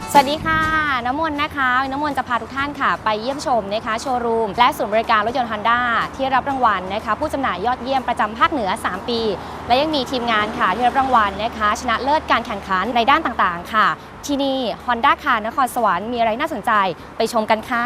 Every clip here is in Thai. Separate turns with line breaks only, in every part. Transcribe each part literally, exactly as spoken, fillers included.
สวัสดีค่ะน้ำมนต์นะคะน้ำมนต์จะพาทุกท่านค่ะไปเยี่ยมชมนะคะโชว์รูมและศูนย์บริการรถยนต์ Honda ที่รับรางวัลนะคะผู้จำหน่ายยอดเยี่ยมประจำภาคเหนือสามปีและยังมีทีมงานค่ะที่รับรางวัลนะคะชนะเลิศการแข่งขันในด้านต่างๆค่ะที่นี่ Honda ค่ะนครสวรรค์มีอะไรน่าสนใจไปชมกันค่ะ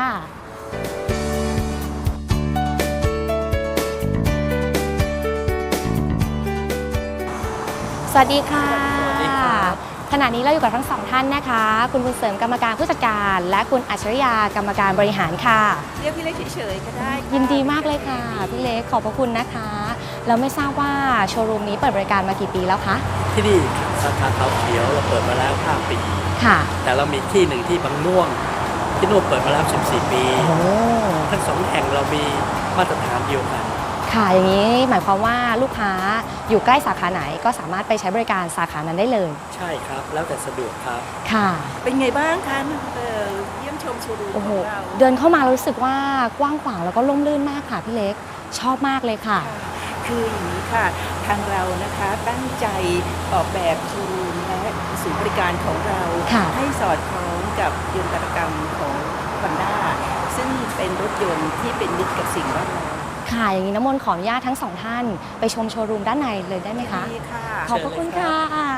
สวัสดีค่ะขณะนี้เราอยู่กับทั้งสองท่านนะคะคุณบุญเสริมกรรมการผู้จัดการและคุณอัจฉริยากรรมการบริหารค่ะ
เรียกพี่เล็กเฉยๆก็ได้
ยินดีมากเลยค่ะพี่เล็กขอบพระคุณนะคะเราไม่ทราบว่าโชว์รูมนี้เปิดบริการมากี่ปีแล้วคะ
ที่นี่สาขาเขาเขียวเราเปิดมาแล้วห้าปี
ค่ะ
แต่เรามีที่หนึ่งที่บางม่วงที่นู่นเปิดมาแล้วสิบสี่ปีทั้งสองแห่งเรามีมาตรฐานเดียวกัน
ค่ะอย่างนี้หมายความว่าลูกค้าอยู่ใกล้สาขาไหนก็สามารถไปใช้บริการสาขานั้นได้เลย
ใช่ครับแล้วแต่สะดวกครับ
ค่ะ
เป็นไงบ้างคะเยี่ยมชมโชว์รูมของเรา
เดินเข้ามารู้สึกว่ากว้างขวางแล้วก็ร่มรื่นมากค่ะพี่เล็กชอบมากเลยค่ะ
คืออย่างนี้ค่ะทางเรานะคะตั้งใจออกแบบโชว์รูมและศูนย์บริการของเราให้สอดคล้องกับยนตกรรมของ Honda ซึ่งเป็นรถยนต์ที่เป็นมิตรกับสิ่งแวดล้อม
ค่ะอย่างนี้น้ำมนต์ขออนุญาตทั้งสองท่านไปชมโชว์รูมด้านในเลยได้ไหมคะ
ดีค่ะ
ขอบพระคุณค่ะ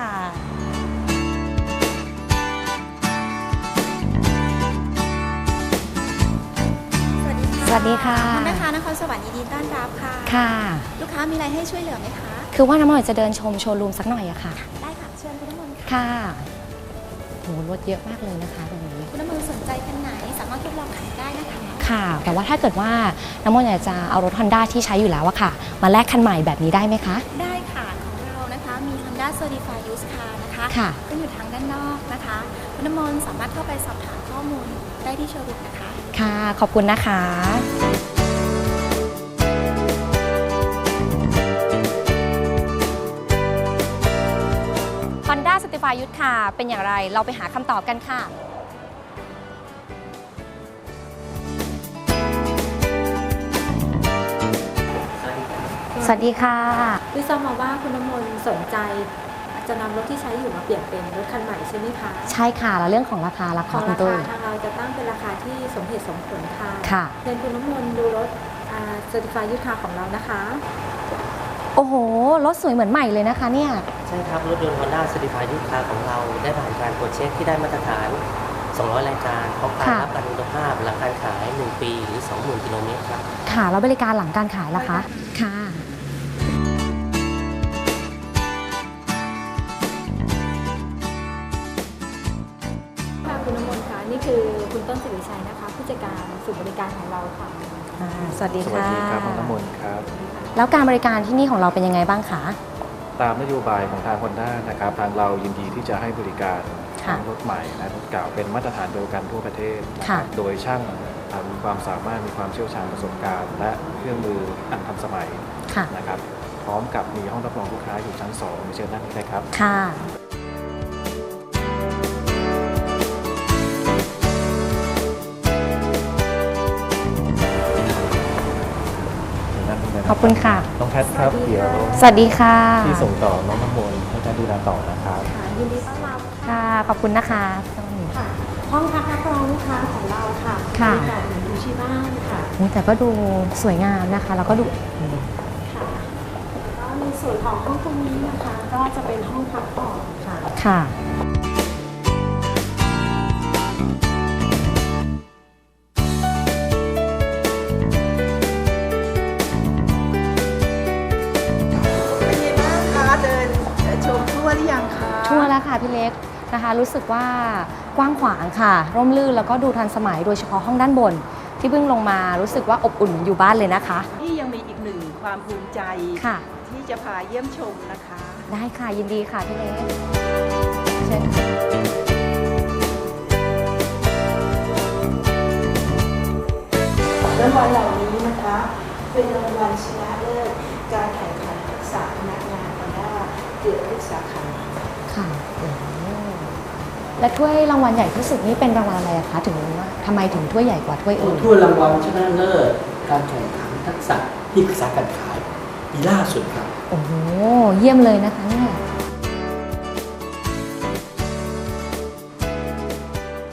สวัสดีค่ะ
คุณนะคะนครสวรรค์ยินดีต้อนรับค่ะ
ค่ะ
ลูกค้ามีอะไรให้ช่วยเหลือไหมคะ
คือว่าน้ำมนต์จะเดินชมโชว์รูมสักหน่อยอะค่ะ
ได้ค่ะเชิญคุณน้ำมนต์
ค่ะโหรถเยอะมากเลยนะคะตรงนี้
คุณน้ำมนต์สนใจคันไหนสามารถทดลองขับได้นะคะ
ค่ะแต่ว่าถ้าเกิดว่าน้ำมนต์อยากจะเอารถ Honda ที่ใช้อยู่แล้วอะค่ะมาแลกคันใหม่แบบนี้ได้ไหมคะ
ได้ค่ะของเรานะคะมี Honda Certified Used Car นะคะ
ค่ะ
ก็อยู่ทางด้านนอกนะคะคุณน้ำมนต์สามารถเข้าไปสอบถามข้อมูลได้ที่โชว์รูมนะคะ
ค่ะขอบคุณนะคะ Honda Certified Used Car เป็นอย่างไรเราไปหาคำตอบกันค่ะสวัสดีค่ะ
พี่ทราบมาว่าคุณน้ำมนต์สนใจจะนำรถที่ใช้อยู่มาเปลี่ยนเป็นรถคันใหม่ใช่ไหมคะ
ใช่ค่ะแล้วเรื่องของราคาราคา
คุณตุ้ยทางเราจะตั้งเป็นราคาที่สมเหตุสมผลค่ะ
ค่ะ
เชิญคุณน้ำมนต์ดูรถเซอร์ติฟายยูสคาร์ของเรานะคะ
โอ้โหรถสวยเหมือนใหม่เลยนะคะเนี่ย
ใช่ครับรถยนต์ Honda Certified Used Car ของเราได้ผ่านการตรวจเช็คที่ได้มาตรฐานสองร้อยรายการพร้อมการรับประกันคุณภาพหลังการขายหนึ่งปีหรือ สองหมื่น กิโลเมตรครับ
ค่ะแล้วบริการหลังการขายล่ะคะค่ะ
คุณน้ำมนต์คะนี่คือคุณต้นศิริชัยนะคะผู้จัดการศูนย์บริการของเราค่ะ
สวัสดีค่ะ
สวัสดีครับน้ำมนต์ครับ
แล้วการบริการที่นี่ของเราเป็นยังไงบ้างคะ
ตามนโยบายของทาง Honda นะครับทางเรายินดีที่จะให้บริการทั้งรถใหม่และรถเก่าเป็นมาตรฐานเดียวกันทั่วประเทศโดยช่างมีความสามารถมีความเชี่ยวชาญประสบการณ์และเครื่องมืออันทันสมัยนะครับพร้อมกับมีห้องรับรองลูกค้าอยู่ชั้นสองเชิญนั่งได้ครับ
ค่ะขอบคุณค่ะ
น้องแพทครับเดี๋ยว
สวัสดีค่ะ
ที่ส่งต่อน้องน้ำมนต์ให้การดูแลต่อนะครับ
ยินดีต้อนรับ
ค่ะขอบคุณนะคะ
ค่ะห้องพักรับรองลูกค้าของเราค่ะ
ค่ะ
แบบเหมือนดูที่บ้านค่ะ
แต่ก็ดูสวยงามนะคะแล้วก็ดู
ค่ะก็ในส่วนของห้องตรงนี้นะคะก็จะเป็นห้องพักผ่อนค่ะ
ค่ะทั่วแล้วค่ะพี่เล็กนะคะรู้สึกว่ากว้างขวางค่ะร่มรื่นแล้วก็ดูทันสมัยโดยเฉพาะห้องด้านบนที่เพิ่งลงมารู้สึกว่าอบอุ่นอยู่บ้านเลยนะคะ
นี่ยังมีอีกหนึ่งความภูมิใจ
ค่ะ
ที่จะพาเยี่ยมชมนะคะ
ได้ค่ะยินดีค่ะพี่เล็กเชิญ
รางวัลเหล่านี้นะคะเป็นรางวัลชนะเลิศการแข่งขันทักษะพนักงานHondaเกือบทุกสาขา
ค่ะและถ้วยรางวัลใหญ่ที่สุดนี้เป็นรางวัลอะไรคะถึงว่าทำไมถึงถ้วยใหญ่กว่าถ้วยอื่น
ถ้วยรางวัลชนะเลิศการแข่งขันทักษะที่ปรึกษาการขายปีล่าสุดครับ
โอ้โหเยี่ยมเลยนะคะเนี่ย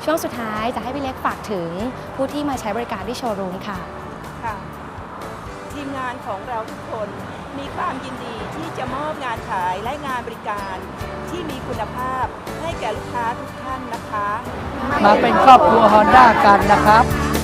ช่วงสุดท้ายจะให้พี่เล็กฝากถึงผู้ที่มาใช้บริการที่โชว์รูมค่ะ
ค่ะทีมงานของเราทุกคนมีความยินดีที่จะมอบงานขายและงานบริการที่มีคุณภาพให้แก่ลูกค้าทุกท่านนะคะ
มาเป็นครอบครัว Honda กันนะครับ